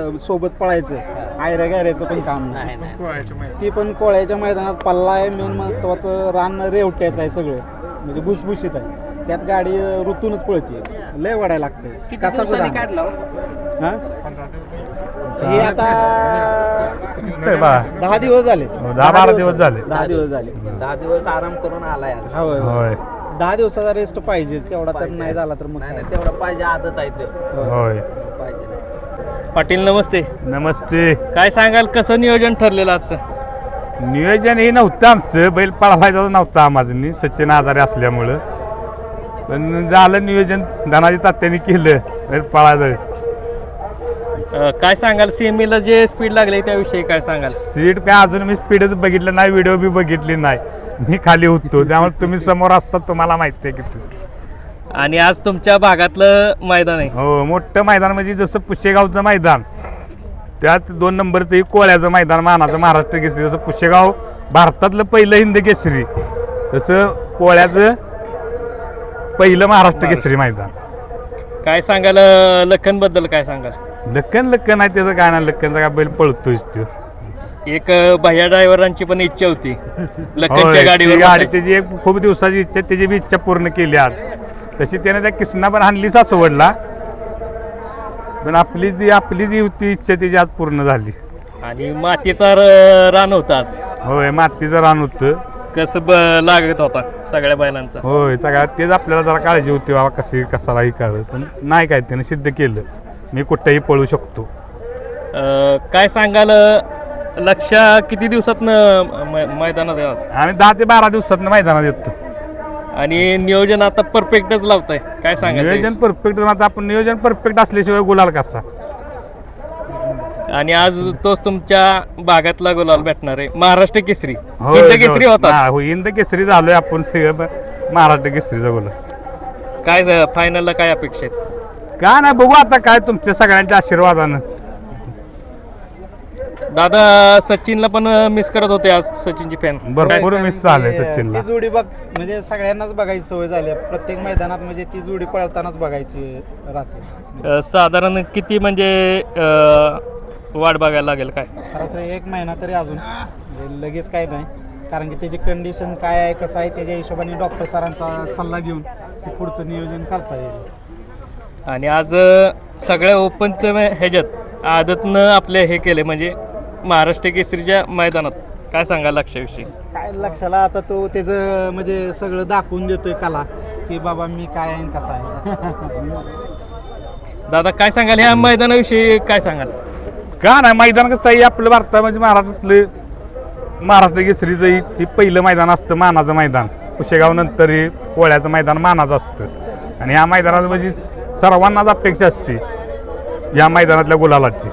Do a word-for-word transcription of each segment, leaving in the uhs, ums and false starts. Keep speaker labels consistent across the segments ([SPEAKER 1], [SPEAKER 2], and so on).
[SPEAKER 1] सोबत पळायचं आयऱ्या गॅऱ्याचं पण काम नाही. ती पण कोळ्याच्या मैदानात पल्ला आहे. मेन महत्वाचं रान रेवट्याचं आहे सगळं, म्हणजे भुसभुशीत आहे. त्यात गाडी ऋतूनच पळते, लय वाढायला लागते. कसाच काढला हे आता दहा दिवस झाले,
[SPEAKER 2] दहा बारा दिवस झाले
[SPEAKER 1] दहा दिवस झाले
[SPEAKER 3] दहा दिवस आराम करून आलाय आज.
[SPEAKER 1] होय
[SPEAKER 2] होय
[SPEAKER 1] दहा दिवसाचा रेस्ट पाहिजे, तेवढा तर नाही झाला तर मग
[SPEAKER 3] नाही नाही तेवढा पाहिजे, आदत आहे ते
[SPEAKER 2] होय.
[SPEAKER 3] पाहिजे.
[SPEAKER 4] पाटील नमस्ते.
[SPEAKER 2] नमस्ते.
[SPEAKER 4] काय सांगाल, कसं नियोजन ठरलेलं आजचं?
[SPEAKER 2] नियोजन हे नव्हतं आमचं, बैल पळवायचं नव्हतं आम्हाला, सचिन आजारी असल्यामुळं. पण झालं नियोजन, धनाजी तात्यांनी केलं बैल पळायचं.
[SPEAKER 4] अं, काय सांगाल, सेमीला जे स्पीड लागले त्याविषयी काय सांगाल?
[SPEAKER 2] सीट काय अजून मी स्पीडच बघितलं नाही, व्हिडिओ बी बघितली नाही, मी खाली होतो. त्यामुळे तुम्ही समोर असतात, तुम्हाला माहिती आहे किती.
[SPEAKER 4] आणि आज तुमच्या भागातलं मैदान आहे.
[SPEAKER 2] हो, मोठं मैदान म्हणजे जसं पुशेगावचं मैदान, त्यात दोन नंबरचं कोळ्याचं मैदान मानाचं महाराष्ट्र केसरी. जसं पुशेगाव भारतातलं पहिलं हिंद केसरी, तसं कोळ्याचं पहिलं महाराष्ट्र केसरी मैदान.
[SPEAKER 4] काय सांगाल लखन बद्दल, काय सांगाल?
[SPEAKER 2] लक्कन लक्कन आहे त्याचं काय ना, लक्कनचा काय बैल पळतोय तो.
[SPEAKER 4] एक भैया ड्रायव्हरांची पण इच्छा होती लखनच्या
[SPEAKER 2] होय,
[SPEAKER 4] गाडीवर
[SPEAKER 2] ती गाडी
[SPEAKER 4] बसायची.
[SPEAKER 2] त्याची एक खूप दिवसाची इच्छा, त्याची बी इच्छा पूर्ण केली आज. तशी त्याने त्या किसना पण हाणली सासवडला, पण आपली जी आपली जी होती इच्छा त्याची आज पूर्ण झाली.
[SPEAKER 4] आणि मातीचा र- रान होता आज,
[SPEAKER 2] होय, मातीचं रान होतं.
[SPEAKER 4] कसं ब- लागत होता सगळ्या बैलांचा.
[SPEAKER 2] होय, सगळ्यात तेच आपल्याला जरा काळजी होती, बाबा कशी कसालाही काळ, पण नाही काय त्यानं सिद्ध केलं, मी कुठेही पळू शकतो.
[SPEAKER 4] अं, काय सांगाल, लक्ष किती दिवसात मैदानात आहे आज?
[SPEAKER 2] आम्ही दहा ते बारा दिवसात मैदानात येतो.
[SPEAKER 4] आणि नियोजन आता परफेक्टच लावताय, काय सांगाल?
[SPEAKER 2] नियोजन परफेक्ट, आता आपण नियोजन परफेक्ट असल्याशिवाय गुलाल कसा.
[SPEAKER 4] आणि आज तोच तुमच्या भागातला गुलाल भेटणार आहे, महाराष्ट्र केसरी.
[SPEAKER 2] होय,
[SPEAKER 4] हिंद केसरी होता.
[SPEAKER 2] हा, होय, हिंद केसरी झालोय आपण सगळं, महाराष्ट्र केसरीचा गुलाल.
[SPEAKER 4] काय फायनलला काय अपेक्षा आहेत?
[SPEAKER 2] काय नाही, बघू आता काय तुमच्या सगळ्यांच्या आशीर्वादानं.
[SPEAKER 4] दादा सचिनला पण मिस करत होते आज, सचिनची फॅन.
[SPEAKER 2] भरपूर मिस झालंय सचिनला.
[SPEAKER 1] ती जोडी बघ, म्हणजे सगळ्यांनाच बघायची सवय झाली आहे. प्रत्येक मैदानात म्हणजे ती जोडी पळतानाच बघायची राहते.
[SPEAKER 4] साधारण किती म्हणजे अं, वाट बघायला लागेल काय?
[SPEAKER 1] सरासरी एक महिना तरी अजून, म्हणजे लगेच काय नाही, कारण की त्याची कंडिशन काय आहे, कसं आहे, त्याच्या हिशोबाने डॉक्टर सरांचा सल्ला घेऊन ते पुढचं नियोजन करता येईल.
[SPEAKER 4] आणि आज अं, सगळ्या ओपनचं ह्याच्यात आदतनं आपले हे केले, म्हणजे महाराष्ट्र केसरीच्या मैदानात. काय सांगा लक्षाविषयी?
[SPEAKER 1] काय लक्षाला आता तो त्याचं म्हणजे सगळं दाखवून देतोय कला, की बाबा मी काय आहे आणि कसा आहे.
[SPEAKER 4] दादा काय सांगाल ह्या मैदानाविषयी, काय सांगाल?
[SPEAKER 2] का नाही, मैदान कसं आहे आपलं भारतात म्हणजे महाराष्ट्रातलं महाराष्ट्र केसरीचं ही ही पहिलं मैदान असतं, मानाचं मैदान. पुशेगाव नंतर हे कोळ्याचं मैदान मानाचं असतं. आणि ह्या मैदानात म्हणजे सर्वांनाच अपेक्षा असते या मैदानातल्या गुलालाची.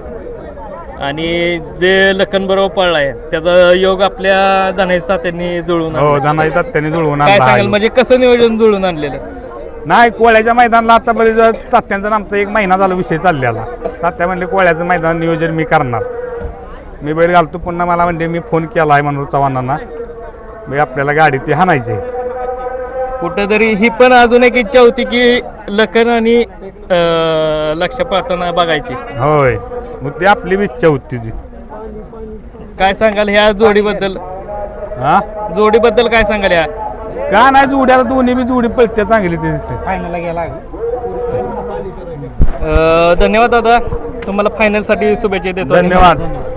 [SPEAKER 4] आणि जे लखन बरोबर पळलाय त्याचा योग आपल्या धनाजी तात्यांनी जुळवून
[SPEAKER 2] हो,
[SPEAKER 4] आणला.
[SPEAKER 2] धनाजी तात्याने जुळवून
[SPEAKER 4] काय
[SPEAKER 2] आणला
[SPEAKER 4] सांगाल,
[SPEAKER 2] आहे.
[SPEAKER 4] म्हणजे कसं नियोजन जुळून आणलेलं?
[SPEAKER 2] नाही, कोळ्याच्या मैदानाला आता बरेच तात्यांचा आमचा एक महिना झाला विषय चाललेला. तात्या म्हणले कोळ्याचं मैदान नियोजन मी करणार, मी बैल घालतो. पुन्हा मला म्हणजे मी फोन केला आहे म्हणून चव्हाणांना, मी आपल्याला गाडी ती हाणायची आहे.
[SPEAKER 4] कुठेतरी ही पण अजून एक इच्छा होती की लखन आणि अं, लक्ष पाहताना बघायची.
[SPEAKER 2] होय, मग ती आपली बी इच्छा होती ती.
[SPEAKER 4] काय सांगाल ह्या जोडीबद्दल?
[SPEAKER 2] हा,
[SPEAKER 4] जोडीबद्दल काय सांगाल ह्या?
[SPEAKER 2] का नाही, जोड्याला दोन्ही बी जोडी पळते चांगली ती.
[SPEAKER 1] फायनलला गेला.
[SPEAKER 4] अं, धन्यवाद दादा, तुम्हाला फायनलसाठी शुभेच्छा देतो.
[SPEAKER 2] धन्यवाद.